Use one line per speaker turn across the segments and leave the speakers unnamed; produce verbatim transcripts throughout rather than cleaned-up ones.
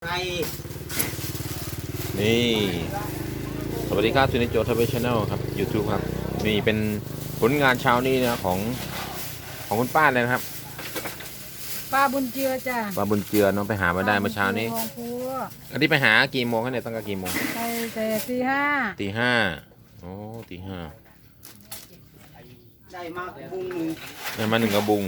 ก่
นี่สวัสดีครับซูนิโจทวีชแนลครับ YouTube ครับนี่เป็นผลงานเช้านี้นะของของคุณป้าเลยนะครับ
ปลาบุญเจือจ้ะ
ป้าบุญเจือน้องไปหามาได้เมื่อเช้านี้อันนี้ไปหากี่โมงครับเนี่ยตั้งแต่กี่โมง
ไปแต่ตีห้า
ตีห้าโอ้ตีห้า
ได้มากบุ้งหนึ่ง
ได้มาหนึ่งกระบุง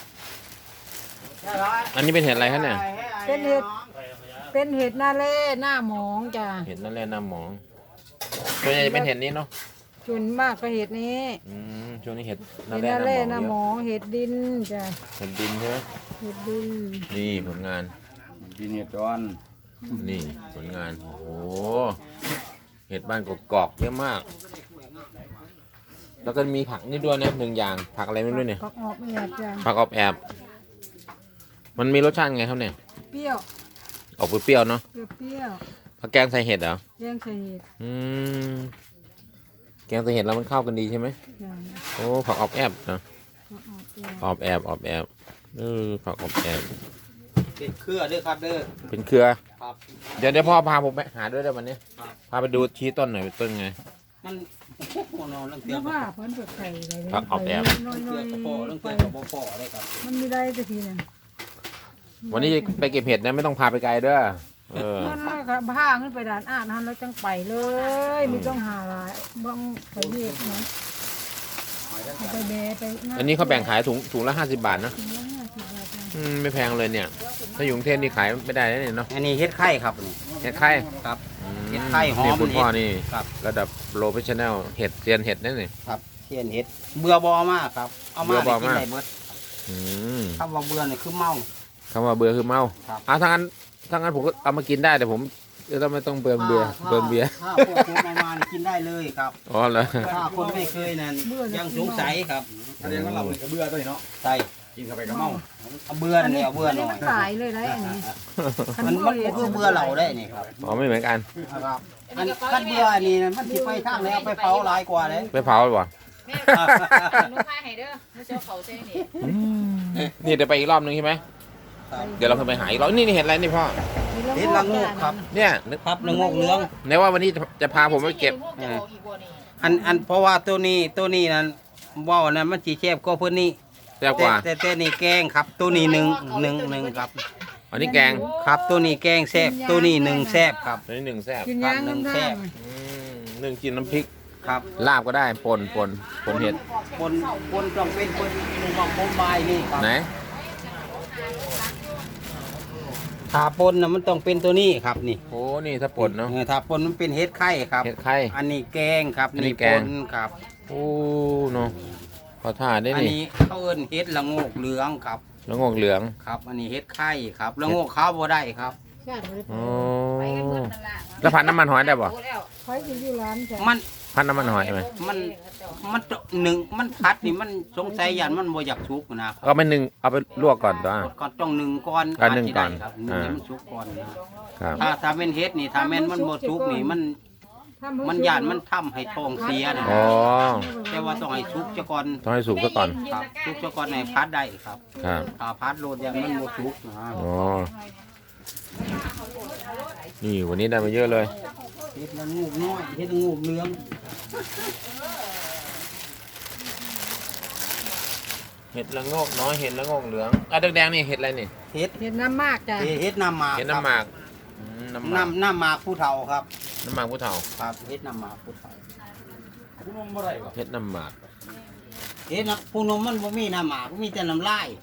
อันนี้เป็นเห็ดอะไรครับเนี่ย
เป็นเห็ดเป็นเห็ดหน้าเล่หน้าหมองจ้ะ
เห็ดนั่นแหละหน้าหมองส่วนใหญ่จะเป็นเห็ดนี้เนาะ
ส่วนมากก็เห็ดนี้
อืมช่วงนี้เห็ด
หน้าเล่หน้าหมองเห็ดดินจ้ะ
เห็ดดินใช่ไหม
เห็ดดิน
นี่ผลงาน
ดินเห็ดร้อน
นี่ผลงานโอ้โหเห็ดบ้านกอกๆเยอะมากแล้วก็มีผักนี่ด้วยนะหนึ่งอย่างผักอะไรไม่รู้เนี่ย
ผักออบแอบจ้ะ
ผักออบแอบมันมีรสชาติไงครับเนี่ย
เปรี้ยว
ออกเปรี้ยวเนาะ
เปรี้ยว
ผักแกงใส่เห็ดเหรอ
แกงใส่เห็ด
อืมแกงใส่เห็ดแล้วมันเข้ากันดีใช่ไหมโอ้ผักออบแอบนะออบแอบออบแอบเออผักออบแอบ
เป็นเครือเด้อครับเด้อ
เป็นเครือครับเดี๋ยวเดี๋ยวพ่อพาผมไปหาด้วยได้วันนี้พาไปดูชี้ต้นหน่อยต้นไง
มันโอ้โหนเ
รื่องว่าเพิ่นเปิดไข่อะไร
ผักออบแอบ
น้อยๆเรื่องพอเรื่องเกี่ยวกับบ่พอได้ครับ
มันไม่ได้สักทีนึง
วันนี้ไปเก็บเห็ดนะไม่ต้องพาไปไกลเด้อเออ
นั่นแหละครับผ้าขึ้นไปด่านอ่านทันแล้วจังไปเลยไม่ต้องหาอะไรบ้างไปเห็ดนะไปแบะไป
อันนี้เขาแบ่งขายถุงถุงละห้าสิบบาทนะอืมไม่แพงเลยเนี่ยถ้าอยู่กรุงเทพนี่ขายไม่ได้เนี่ยเนาะ
อันนี้เห็ดไข่ครับ
เห็ดไข่
ครับเห็ดไข่หอม
คุณพ่อนี่ระดับโปรเฟชชั่นแนลเห็ดเซียนเห็ดนั่นนี่
ครับเซียนเห็ดเบื่อบอมากครับเอามาได้กินได้เบิดคำว่าเบื่อเนี่ยคือเมา
คำว่าเบื่อคือเมาอ่ะถ้างั้นถ้างั้นผมก็เอามากินได้แต่ผมจะไม่ต้องเบื่อเบื่อเบื่อเบียร์
ถ้าพวกคุณเอามากินได้เลยครับ
อ๋อเหรอ
ถ้าคนไม่เคยนั่นยังสงสัยครับ
แสดงว่าเราเนี่ยเบื่อด้วยเนาะ
ใช่
กินเข้าไปก็เมา
เอาเบื่อเนี่ยเอาเบื่อหน่อย
ตายเลยได้อันนี้
มันมันคือเบื่อเราได้นี่ครับ
อ๋อไม่เหมือนกัน
ครับอันคันเบื่อนี่มันสิไปทางไหนเอาไปเผาหลายกว่าเลย
ไปเผาหรือเปล่า
แม่หนูพาให้เด้อไม่เชื่อเขาเส้น
นี่นี่เดี๋ยวไปอีกรอบนึงใช่ไหมเดี๋ยวเราไปหาอีกรอบนี่นี่เห็นอะไรนี่พ่อ
เห็ดละงูครับ
เนี่ย
นึกครับละงูเนื้อ
ในว่าวันนี้จะพาผมไปเก็บ
อันอันเพราะว่าตัวนี้ตัวนี้นั้นว่านั้นมันจีแคบก็เพื่อนนี่
แซ่บกว่า
แต่แต่นี่แกงครับตัวนี้หนึ่งหนึ่งหนึ่งครับ
อันนี้แกง
ครับตัวนี้แกงแซ่บตัวนี้หนึ่งแซ่บครับ
ตัวนี้หนึ่งแซ่บ
กินย่างหนึ่งแซ่บ
หนึ่งกินน้ำพริก
ครับ
ลาบก็ได้ปนปนปนเห็ด
ปนปนต้องเป็นปนมองปนใบนี่ครับ
ไหน
ถ้าปนนะมันต้องเป็นตัวนี้ครับนี่
โอ้นี่ถ้าปนเนาะ
ถ้าปนมันเป็นเห็ดไข่ครับ
เห็ดไข่
อันนี้แกงครับนี่ปนครับ
โอ้เนาะขอท่าได้นี่
อันนี้เขาเอิ้นเห็ดละโงกเหลืองครับ
ละโงกเหลือง
ครับอันนี้เห็ดไข่ครับละโงกขาวบ่ได้ครับ
โอ้แล้วพันน้ำมันหอยได้ป่ะ
หอยกินอยู่ร้านจ้ะ
มัน
พันน้ำมันหอยไหม
มันมันหนึ่งมันพัดนี่มันสงสัยยันมันบ่อยากชุกนะ
ก็ไม่หนึ่งเอาไปลวกก่อนตัว
ก่อนต้องหนึ่งก่อน
การหนึ่งก่อน
หนึ่งมันชุกก่อนนะครับถ้าถ้าเป็นเฮ็ดนี่ถ้าแม่นมันบ่ชุกนี่มันมันยันมันทำให้ท้องเสียนะ
อ๋อ
แต่ว่าต้องให้ชุกซะก่อน
ต้องให้สุกซะก่อน
ครับชุกซะก่อนให้พัดได้ครับ
ครับ
ถ้าพัดโลดยันมันบ่ชุกนะ
อ๋อนี่วันนี้ได้มาเยอะเลย
เฮ็ดละงูน้อยเฮ็ดละงูเหลือง
เห็ดละโงกน้อยเห็ดละโงกเหลืองอ่ะแดงๆนี่เห็ดอะไรนี่
เห็ด
เห็ดน้ำมากจ้ะ
เห็ดน้ำหมาก
เห็ดน้ำหมาก
น้ำน้ำน้ำหมากผู้เฒ่าครับ
น้ำหมากผู้เฒ่า
ครับเห็ดน้ำหมากผู้เฒ่า
เห็ดน้ำหมาก
เห็ดน้ำผู้นมมันบ่มีน้ำหมากมีแต่น้ำลาย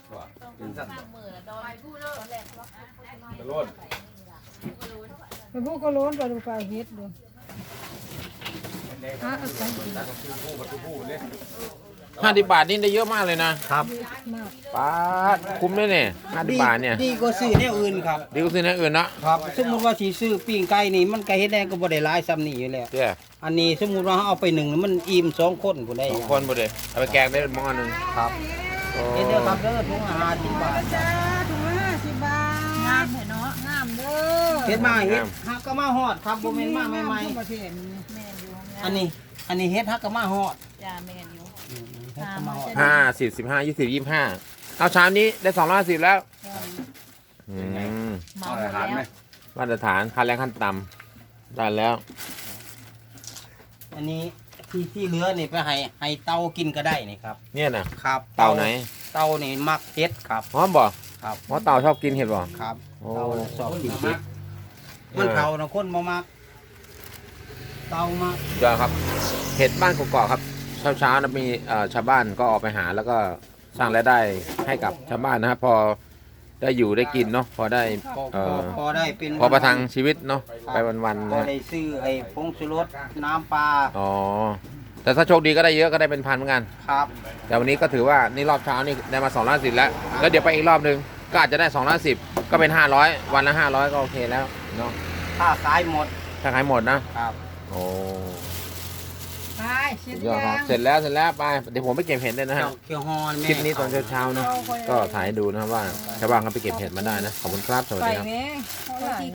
ไปพวกก็ล้นไปดูไปเห็ดดู
ห้าสิบบาทนี่ได้เยอะมากเลยนะครับป้าคุ้มเลยเนี่ยห้าสิบบาทเนี่ย
ดีกว่าซื้อแนวอื่นครับ
ดีกว่าซื้อแนวอื่นนะครับ
สมมติว่าสีซื้อปิ้งไก่นี่มันไก่เฮ็ดแดงก็บ่ได้หลายซ้ำนี่อยู่แล้วอันนี้สมมติว่าเอาไปหนึ่งมันอิ่มสองคนบ่ได้
สองคนบ่ได้เอาไปแกงได้หม้อหนึ่ง
ครับเฮ็ดเด้อครับเด้อถุงห้าสิบบาท
จ้าถุงห้าสิบบาทงามเนาะงามเด้อ
เฮ็ดมาเฮ็ดฮักก็มาฮอดครับบ่แม่นมาใหม่ๆอันนี้อันนี้เฮ็ดฮักก็มาฮอด
จ้าแม่นอยู่
ห้าสิบสิบห้ายี่สิบยี่สิบห้าเอาชามนี้ได้สองร้อยสิบแล้ว
เมาหมดแล้ว
มาตรฐานค่าแรงขั้นต่ำได้แล้ว
อันนี้ที่ที่เหลือนี่ไปให้ให้เต้ากินก็ได้นี่ครับ
เนี่ยนะครับ เต่าไหน
เต้านี่มักเห็ดครับ
หอมบ่
ครับ
เพราะเต่าชอบกินเห็ดบ่
ครับ
โอ้
เต้าชอบกินเห็ดมันเผานะคนบ่มักเต้ามัก
ยอดครับเห็ดบ้านกอกๆครับเช้าเช้าๆนะมีเอ่อชาวบ้านก็ออกไปหาแล้วก็สร้างรายได้ให้กับชาวบ้านนะครับพอได้อยู่ได้กินเนาะพอได้
พอ
เอ่
พอ
อ
พอได้เป็น
พอประทังชีวิตเนาะไปวันๆ
พอ
นะ
ได้ซื้อไอ้ผงชูรสน้ำปลา
อ๋อแต่ถ้าโชคดีก็ได้เยอะก็ได้เป็นพันเหมือนกัน
ครับ
แต่วันนี้ก็ถือว่านี่รอบเช้านี่ได้มาสองร้อยสิบแล้วแล้วเดี๋ยวไปอีกรอบหนึงก็อาจจะได้สองร้อยสิบก็เป็นห้าร้อยวันละห้าร้อยก็โอเคแล้วเนาะ
ถ้าขายหมด
ถ้าขายหมดนะครับ โอ้
ไปเช็ด
สุดยอดครับ
ยัง
เสร็จแล้วเสร็จแล้วไปเดี๋ยวผมไปเก็บเห็ดเลยนะฮะ
เจ้าเคียวฮอนแม่
คลิปนี้ตอนเช้าๆเนาะก็ถ่ายให้ดูนะครับว่าชาวบ้านเขาไปเก็บเห็ดมาได้นะ ขอบคุณครับ สวัส
ไป
ดีครับ
ไหม